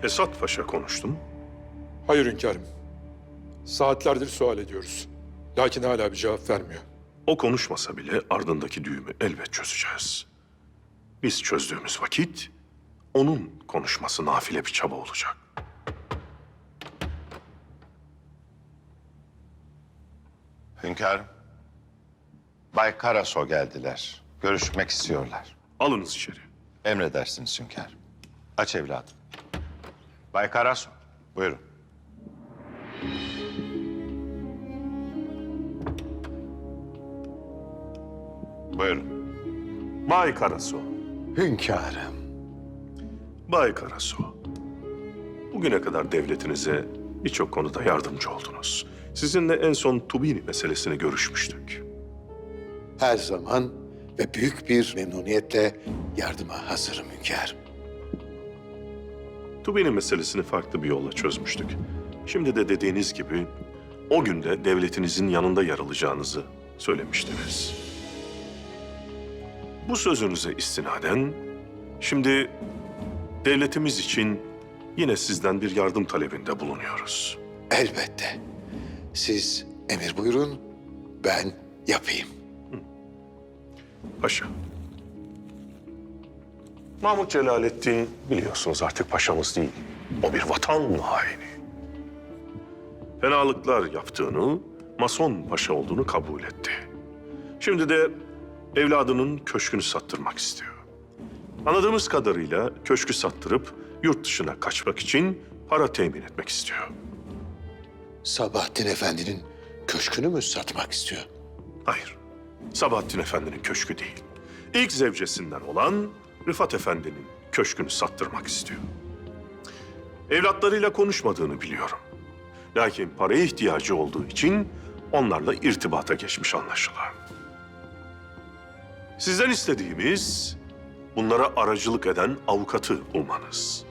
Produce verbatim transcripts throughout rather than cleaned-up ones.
Esat Paşa konuştu mu? Hayır hünkârım. Saatlerdir sual ediyoruz. Lakin hala bir cevap vermiyor. O konuşmasa bile ardındaki düğümü elbet çözeceğiz. Biz çözdüğümüz vakit onun konuşması nafile bir çaba olacak. Hünkârım, Bay Karaso geldiler. Görüşmek istiyorlar. Alınız içeri. Emredersiniz hünkârım. Aç evladım. Bay Karaso, buyurun. Buyurun. Bay Karaso, Hünkârım. Bay Karaso. Bugüne kadar devletinize birçok konuda yardımcı oldunuz. Sizinle en son Tubini meselesini görüşmüştük. Her zaman ve büyük bir memnuniyetle yardıma hazırım hünkârım. Tubini meselesini farklı bir yolla çözmüştük. Şimdi de dediğiniz gibi o günde devletinizin yanında yer alacağınızı söylemiştiniz. Bu sözünüze istinaden şimdi devletimiz için yine sizden bir yardım talebinde bulunuyoruz. Elbette. Siz emir buyurun, ben yapayım. Paşa. Mahmut Celalettin biliyorsunuz artık paşamız değil. O bir vatan haini. Fenalıklar yaptığını, Mason paşa olduğunu kabul etti. Şimdi de evladının köşkünü sattırmak istiyor. Anladığımız kadarıyla köşkü sattırıp yurt dışına kaçmak için para temin etmek istiyor. Sabahattin Efendi'nin köşkünü mü satmak istiyor? Hayır, Sabahattin Efendi'nin köşkü değil. İlk zevcesinden olan Rıfat Efendi'nin köşkünü sattırmak istiyor. Evlatlarıyla konuşmadığını biliyorum. Lakin paraya ihtiyacı olduğu için onlarla irtibata geçmiş anlaşılan. Sizden istediğimiz bunlara aracılık eden avukatı bulmanız.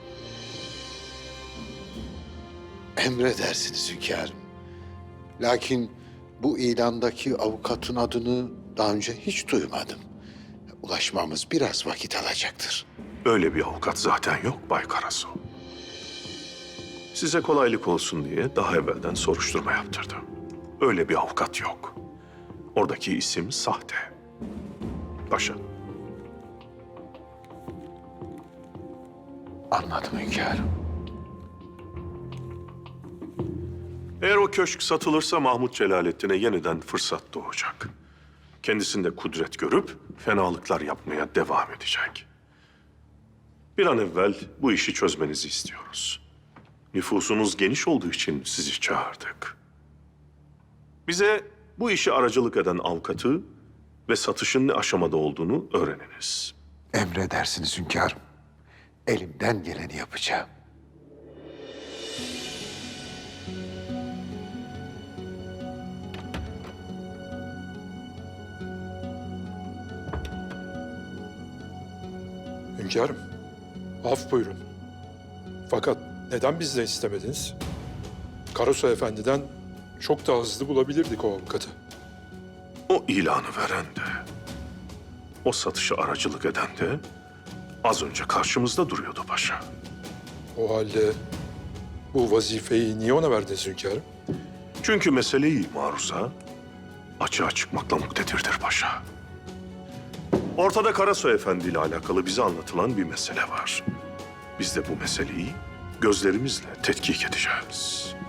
Emredersiniz hünkârım. Lakin bu ilandaki avukatın adını daha önce hiç duymadım. Ulaşmamız biraz vakit alacaktır. Öyle bir avukat zaten yok Bay Karaso. Size kolaylık olsun diye daha evvelden soruşturma yaptırdım. Öyle bir avukat yok. Oradaki isim sahte. Paşa. Anladım hünkârım. Eğer o köşk satılırsa Mahmut Celalettin'e yeniden fırsat doğacak. Kendisinde kudret görüp fenalıklar yapmaya devam edecek. Bir an evvel bu işi çözmenizi istiyoruz. Nüfusunuz geniş olduğu için sizi çağırdık. Bize bu işi aracılık eden avukatı ve satışın ne aşamada olduğunu öğreniniz. Emredersiniz hünkârım. Elimden geleni yapacağım. Hünkârım, af buyurun. Fakat neden bizden istemediniz? Karaso Efendi'den çok daha hızlı bulabilirdik o avukatı. O ilanı veren de, o satışa aracılık eden de az önce karşımızda duruyordu paşa. O halde bu vazifeyi niye ona verdiniz hünkârım? Çünkü meseleyi maruza açığa çıkmakla muktedirdir paşa. Ortada Karasoy Efendi ile alakalı bize anlatılan bir mesele var. Biz de bu meseleyi gözlerimizle tetkik edeceğiz.